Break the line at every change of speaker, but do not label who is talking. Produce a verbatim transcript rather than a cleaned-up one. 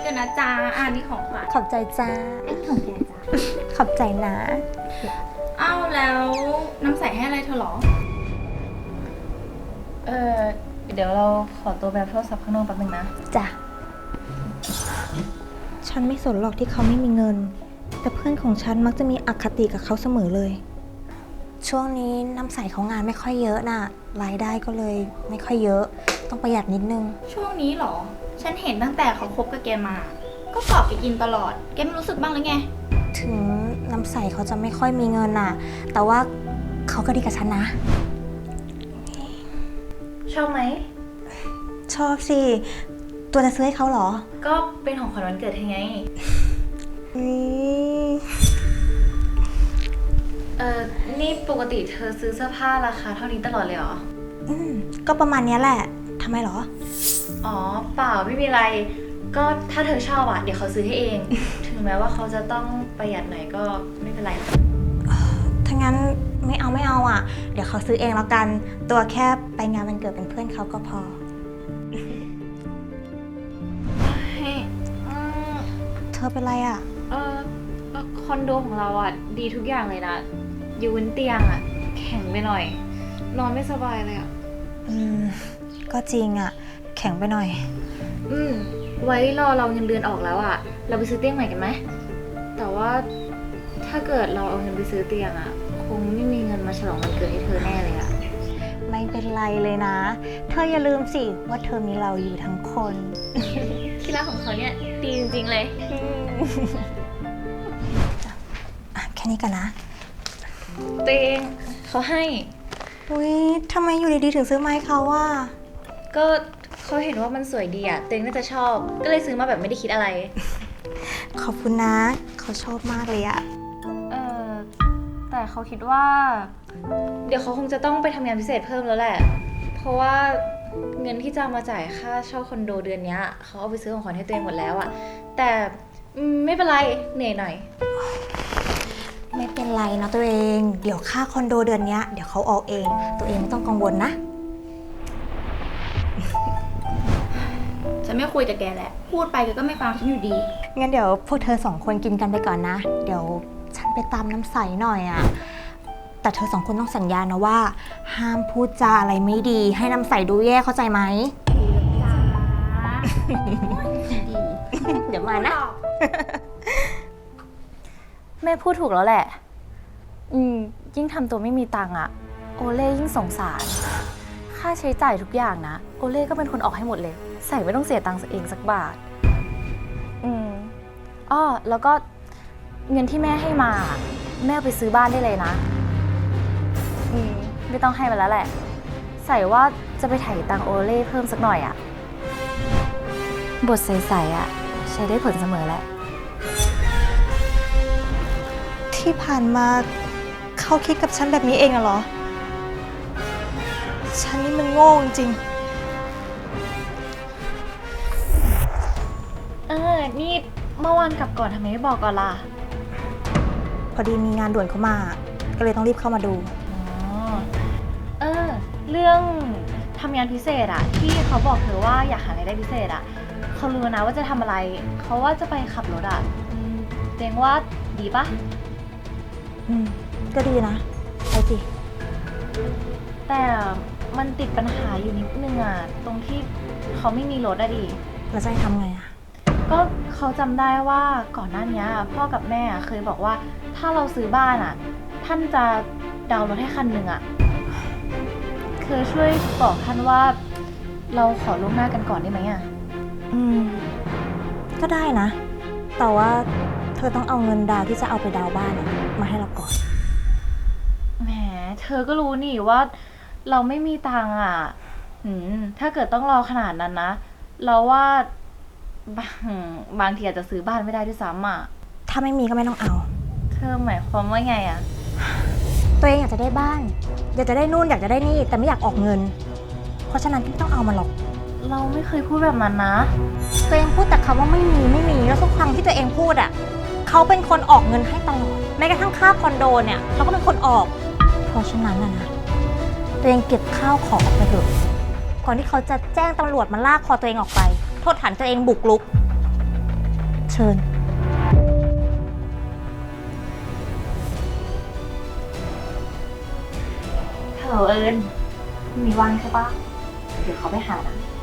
กันนะจ๊ะอ่านี่ของขวัญ
ขอบใจจ้า
ไอ้ของแกจ้ะ
ขอบใจนะ
อ้าวแล้วน้ำใสให้อะไรเธอหรอ
เออเดี๋ยวเราขอตัวแบบโทรศัพท์ข้างนอกแป๊บนึงนะ
จ้ะ ฉันไม่สนหรอกที่เขาไม่มีเงิน แต่เพื่อนของฉันมักจะมีอคติกับเขาเสมอเลย ช่วงนี้น้ำใสเขางานไม่ค่อยเยอะน่ะ รายได้ก็เลยไม่ค่อยเยอะ ต้องประหยัดนิดนึง
ช่วงนี้หรอ ฉันเห็นตั้งแต่เขาคบกับแกมา ก็กอบแกกินตลอด แกไม่รู้สึกบ้างหรือไง
ถึงน้ำใสเขาจะไม่ค่อยมีเงินน่ะ แต่ว่าเขาก็ดีกับฉันนะ
ชอบไหม
ชอบสิ ตัวจะซื้อให้เขาเหรอ
ก็เป็นของขวัญวันเกิดเธอไง
อืม
เออนี่ปกติเธอซื้อเสื้อผ้าราคาเท่านี้ตลอดเลยเหรอ
อืมก็ประมาณเนี้ยแหละ ทำไมเหรอ
อ๋อเปล่าไม่มีอะไร ก็ถ้าเธอชอบอะเดี๋ยวเขาซื้อให้เอง ถึงแม้ว่าเขาจะต้องประหยัดหน่อยก็ไม่เป็นไร
ถ้างั้นไม่เอาไม่เอาอ่ะ เดี๋ยวเขาซื้อเองแล้วกัน ตัวแค่ไปงานวันเกิดเป็นเพื่อนเขาก็พอ เธอเป็นไรอ่ะ
เออคอนโดของเราอะดีทุกอย่างเลยนะ อยู่บนเตียงอะแข็งไปหน่อย นอนไม่สบายเลยอะ
อืม ก็จริงอ่ะ แข็งไปหน่อย
อืม ไว้รอเราเงินเดือนออกแล้วอะเราไปซื้อเตียงใหม่กันไหม แต่ว่าถ้าเกิดเราเอาเงินไปซื้อเตียงอะคงไม่มีเงินมาฉลองวันเกิดให้เธอแน่เลยอะ
ไม่เป็นไรเลยนะ เธออย่าลืมสิว่าเธอมีเราอยู่ทั้งคน
ที่รักของเขาเนี่ยดีจริงๆเลย
อ่ะแค่นี้กันนะ
ตัวเองเขาให้
อุ้ยทำไมอยู่ดีๆถึงซื้อไมาให้เขาว่า
ก็เขาเห็นว่ามันสวยดีอะตัวเองน่าจะชอบ ก็เลยซื้อมาแบบไม่ได้คิดอะไร
ขอบคุณนะ เขาชอบมากเลยอ่ะ
เออแต่เขาคิดว่า เดี๋ยวเขาคงจะต้องไปทำงานพิเศษเพิ่มแล้วแหละ เพราะว่าเงินที่จะเอามาจ่ายค่าเช่าคอนโดเดือนนี้เขาเอาไปซื้อของขวัญให้ตัวเองหมดแล้วอะแต่อืมไม่เป็นไรเหนื่อยหน่อย
ไม่เป็นไรนะตัวเอง เดี๋ยวค่าคอนโดเดือนเนี้ยเดี๋ยวเขาออกเอง ตัวเองไม่ต้องกังวลนะ
ฉันไม่คุยกับแกแหละ พูดไปแกก็ไม่ฟังฉันอยู่ดี
งั้นเดี๋ยวพวกเธอสองคนกินกันไปก่อนนะ เดี๋ยวฉันไปตามน้ำใสหน่อยอะแต่เธอสองคนต้องสัญญานะว่า ห้ามพูดจาอะไรไม่ดี ให้น้ำใสดูแย่เข้าใจไหม
ดี
เดี๋ยวมานะ
แม่พูดถูกแล้วแหละ อืมยิ่งทำตัวไม่มีตังค์อะโอเล่ยิ่งสงสาร ค่าใช้จ่ายทุกอย่างนะ โอเล่ก็เป็นคนออกให้หมดเลย ใส่ไม่ต้องเสียตังค์เองสักบาท อืมอ้อแล้วก็เงินที่แม่ให้มา แม่เอาไปซื้อบ้านได้เลยนะ อืมไม่ต้องให้มันแล้วแหละ ใส่ว่าจะไปไถ่ตังค์โอเล่เพิ่มสักหน่อยอะบทใสๆอะใช้ได้ผลเสมอแหละ
ที่ผ่านมาเขาคิดกับฉันแบบนี้เองอะเหรอ ฉันนี่มันโง่จริง
เออ นี่เมื่อวานกลับก่อนทำไมไม่บอกก่อนล่ะ
พอดีมีงานด่วนเข้ามา ก็เลยต้องรีบเข้ามาดู
อ๋อ เออ เรื่องทำงานพิเศษอะที่เขาบอกเธอว่าอยากหารายได้พิเศษอะเขารู้นะว่าจะทำอะไร เขาว่าจะไปขับรถอะอืมเจงว่าดีปะ
อืม ก็ดีนะ ไปสิ
แต่มันติดปัญหาอยู่นิดนึงอะตรงที่เขาไม่มีรถอะดิ
แล้วจะให้ทำไงอะ
ก็เขาจำได้ว่าก่อนหน้านี้พ่อกับแม่เคยบอกว่าถ้าเราซื้อบ้านอ่ะ ท่านจะดาวน์รถให้คันหนึ่งอ่ะเคยช่วยบอกท่านว่าเราขอล่วงหน้ากันก่อนได้ไหมอ่ะ
อืม ก็ได้นะ แต่ว่าเธอต้องเอาเงินดาวน์ที่จะเอาไปดาวน์บ้านอะมาให้เราก่อน
แหมเธอก็รู้นี่ว่าเราไม่มีตังค์อ่ะหืมถ้าเกิดต้องรอขนาดนั้นนะเราว่าบางบางทีอาจจะซื้อบ้านไม่ได้ด้วยซ้ำอ่ะ
ถ้าไม่มีก็ไม่ต้องเอา
เธอหมายความว่าไงอ่ะ
ตัวเองอยากจะได้บ้าน อยากจะได้นู่นอยากจะได้นี่ แต่ไม่อยากออกเงิน เพราะฉะนั้นไม่ต้องเอามันหรอก
เราไม่เคยพูดแบบนั้นนะ
ตัวเองพูดแต่คำว่าไม่มีไม่มี แล้วทุกครั้งที่ตัวเองพูดอ่ะเขาเป็นคนออกเงินให้ตลอด แม้กระทั่งค่าคอนโดเนี่ยเราก็เป็นคนออก เพราะฉะนั้นนะนะตัวเองเก็บข้าวของออกไปเถอะ ก่อนที่เขาจะแจ้งตำรวจมาลากคอตัวเองออกไป โทษฐานตัวเองบุกรุกเชิญ
ฮัลโหลเอิญมีว่างใช่ปะเดี๋ยวเขาไปหานะ